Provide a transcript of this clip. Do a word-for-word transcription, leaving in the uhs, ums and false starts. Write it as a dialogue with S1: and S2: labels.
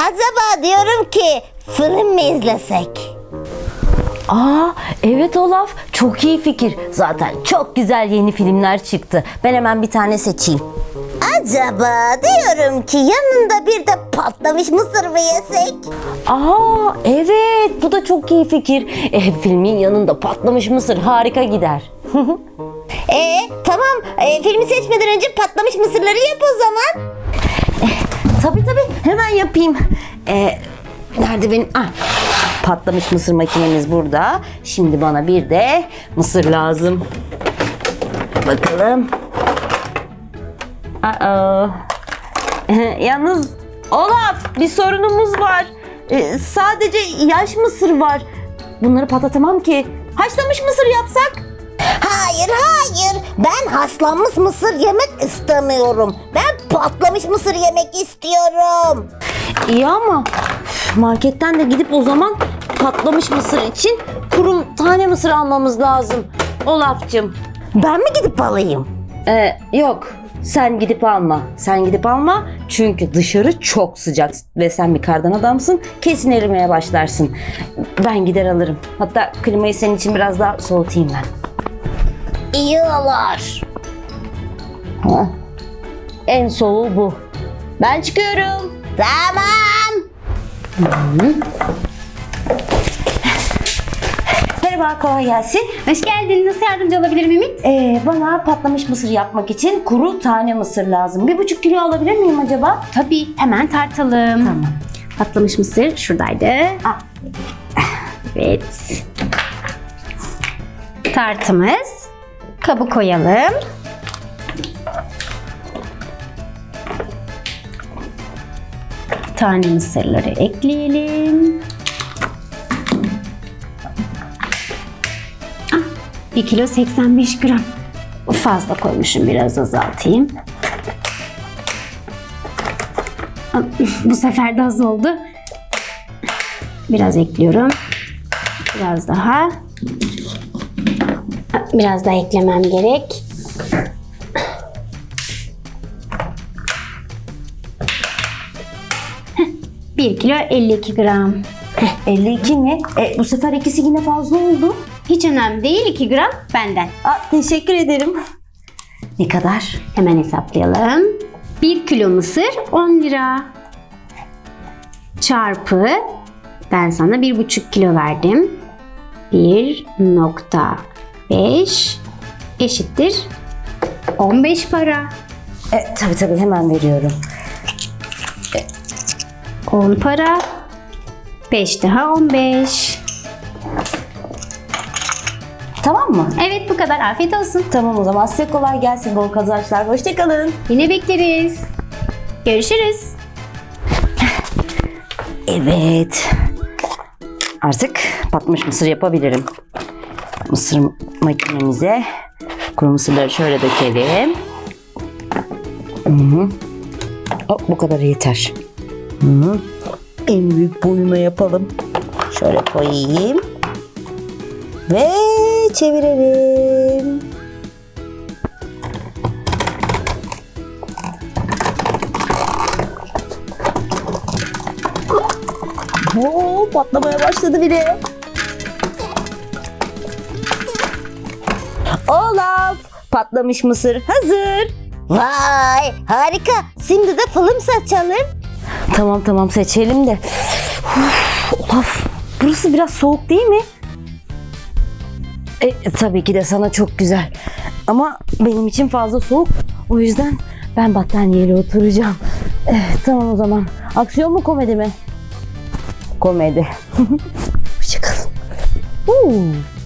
S1: Acaba diyorum ki film mi izlesek?
S2: Aa, evet Olaf, çok iyi fikir. Zaten çok güzel yeni filmler çıktı. Ben hemen bir tane seçeyim.
S1: Acaba diyorum ki yanında bir de patlamış mısır mı yesek?
S2: Aa, evet, bu da çok iyi fikir. E, filmin yanında patlamış mısır harika gider.
S1: Ee tamam, ee, filmi seçmeden önce patlamış mısırları yap o zaman.
S2: Tabii tabii, hemen yapayım. E, nerede benim? Ah, patlamış mısır makinemiz burada. Şimdi bana bir de mısır lazım. Bakalım. Aa. Yalnız Olaf, bir sorunumuz var. Ee, sadece yaş mısır var. Bunları patlatamam ki. Haşlamış mısır yapsak?
S1: Hayır hayır, ben haşlanmış mısır yemek istemiyorum. Ben patlamış mısır yemek istiyorum.
S2: İyi ama marketten de gidip o zaman patlamış mısır için kuru tane mısır almamız lazım. Olaf'cığım.
S1: Ben mi gidip alayım?
S2: Ee, yok. Sen gidip alma. Sen gidip alma. Çünkü dışarı çok sıcak ve sen bir kardan adamsın. Kesin erimeye başlarsın. Ben gider alırım. Hatta klimayı senin için biraz daha soğutayım ben.
S1: İyi olur.
S2: Ha. En soğuğu bu. Ben çıkıyorum.
S1: Tamam.
S2: Merhaba, kolay gelsin.
S3: Hoş geldin. Nasıl yardımcı olabilirim Ümit?
S2: Ee, bana patlamış mısır yapmak için kuru tane mısır lazım. Bir buçuk kilo alabilir miyim acaba?
S3: Tabii. Hemen tartalım.
S2: Tamam.
S3: Patlamış mısır şuradaydı.
S2: Ah.
S3: Evet. Tartımız. Kabı koyalım. Tane mısırları ekleyelim. Ah, bir kilo seksen beş gram. Fazla koymuşum, biraz azaltayım. Ah, bu sefer de az oldu. Biraz ekliyorum. Biraz daha. Ah, biraz daha eklemem gerek. bir kilo elli iki gram.
S2: elli iki mi? E, bu sefer ikisi yine fazla oldu.
S3: Hiç önemli değil, iki gram benden.
S2: Aa, teşekkür ederim. Ne kadar?
S3: Hemen hesaplayalım. bir kilo mısır on lira. Çarpı, ben sana bir buçuk kilo verdim. bir nokta beş eşittir on beş para.
S2: E, tabii tabii, hemen veriyorum.
S3: on para. beş daha on beş.
S2: Tamam mı?
S3: Evet, bu kadar. Afiyet olsun.
S2: Tamam, o zaman size kolay gelsin, bol kazançlar. Hoşçakalın.
S3: Yine bekleriz. Görüşürüz.
S2: Evet. Artık patlamış mısır yapabilirim. Mısır makinemize kuru mısırları şöyle dökelim. Hı-hı. Hop, bu kadar yeter. Hı-hı. En büyük boyuna yapalım. Şöyle koyayım. Ve çevirelim. Oo, patlamaya başladı bile. Olaf, patlamış mısır hazır.
S1: Vay harika. Şimdi de film seçelim.
S2: Tamam tamam, seçelim de. Uf, Olaf, burası biraz soğuk değil mi? E, tabii ki de sana çok güzel. Ama benim için fazla soğuk. O yüzden ben battaniyeyle oturacağım. Evet, tamam o zaman. Aksiyon mu, komedi mi? Komedi. Hoşçakalın.